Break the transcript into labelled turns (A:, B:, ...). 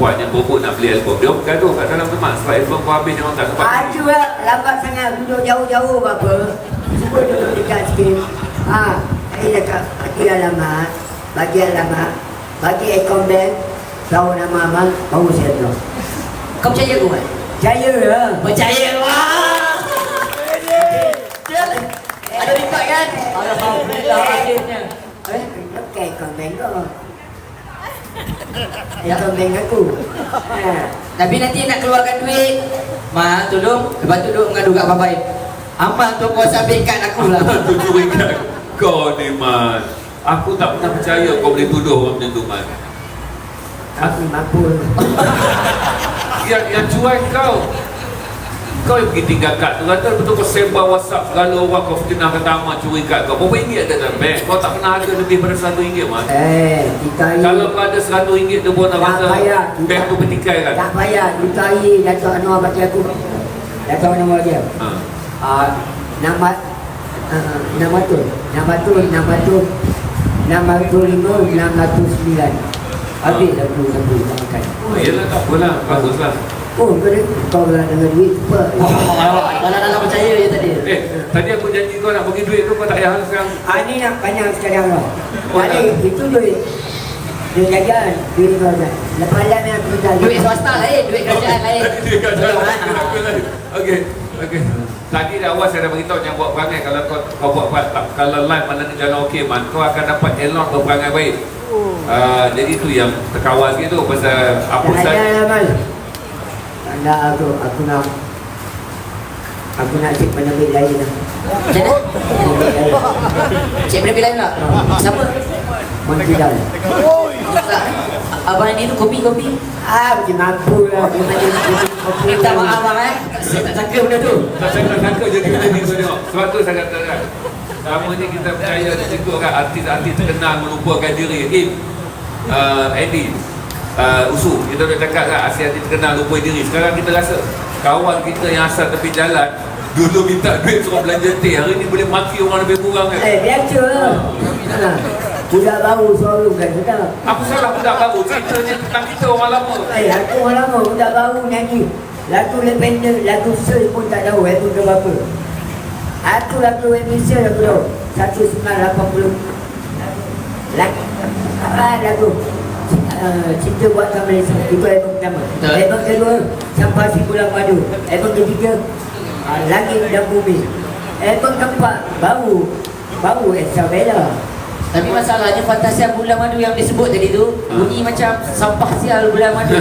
A: perempuan yang berebut nak beli album. Dia bergaduh kat dalam tempat sebab album kau habis dia orang tak sempat.
B: Aduh lah, lambat sangat duduk jauh-jauh apa. Cuba duduk dekat sikit. Saya cakap bagi alamat, bagi akaun bank, tahu nama abang, baru saya tahu.
C: Kau percaya aku kan?
B: Percaya lah.
C: Percaya. Wah. Ada rekod kan? Alhamdulillah akhirnya.
B: Pakai akaun bank kau. Akaun bank aku.
C: Tapi nanti nak keluarkan duit, Ma, tolong. Lepas tu duduk mengadu kat babai. Amal tu kau sabit kad aku lah.
A: Tu curi kat kau ni, Man. Aku tak pernah percaya kau boleh tuduh orang macam tu, Man.
B: Aku mampu.
A: Yang cuai kau yang pergi tinggal kad tu, kata betul kau sebar WhatsApp segala orang, kau fitnah kata Ahmad curi kad kau. Berapa ringgit ada dalam bank? Kau tak pernah ada lebih pada RM100, Man.
B: Kita
A: Kalau kau ada RM100 tu pun nak rasa bank tu bertikai kan?
B: tak payah. Kita Datuk Anwar bagi aku. Datuk Anwar dia. Nama tu 605-609. Habis aku makan.
A: Yelah, tak apalah, baguslah.
B: Oh, kau lah dengan duit cepat.
C: Kalau nak percaya je tadi.
A: Tadi aku janji kau nak bagi duit tu, kau tak payah sekarang.
B: Ni nak banyak sekarang lah. Itu duit jajan, duit kau dah. Lepas lah yang aku minta
C: Duit swasta lain, duit kerajaan lain.
A: Duit kerajaan lain. Okey. Tadi dah awal saya dah beritahu jangan buat perangai. Kalau kau buat kalau live mana ni jalan okey, Man, kau akan dapat elok berperangai baik. Jadi tu yang terkawal gitu pasal apa saja.
B: Anda aku nak cek penerbit lain lah.
C: Macam mana? Cik penerbit lain lah? Siapa?
B: Montidan.
C: Abang ni tu kopi.
B: Macam mampu lah.
C: Minta maaf abang saya tak sangka benda tu.
A: Saya tak sangka jadi benda ni kau tengok. Sebab tu saya katakan selama ni kita percaya cukup kan artis-artis terkenal melupakan diri. Eddie Usu, kita dah cakap kan artis-artis terkenal lupa diri. Sekarang kita rasa kawan kita yang asal tepi jalan dulu minta duit suruh belanja teh, hari ni boleh maki orang lebih kurang kan?
B: Biasa lah. Budak baru selalu kan sedap.
A: Apa salah budak baru? Ceritanya tentang kita orang lama.
B: Aku orang lama, budak baru nyanyi lagu independent, lagu search pun tak tahu lagu ke berapa. Aku lagu Indonesia aku tahu 1980. Lagu Cinta Buatan Malaysia. Itu album pertama. Album kedua Sampai Si Pulang Madu. Album ketiga Langit dan Bumi. Album keempat Baru Isabella.
C: Tapi masalahnya Fantasia Bulan Madu yang disebut tadi tu bunyi macam sampah sial bulan madu.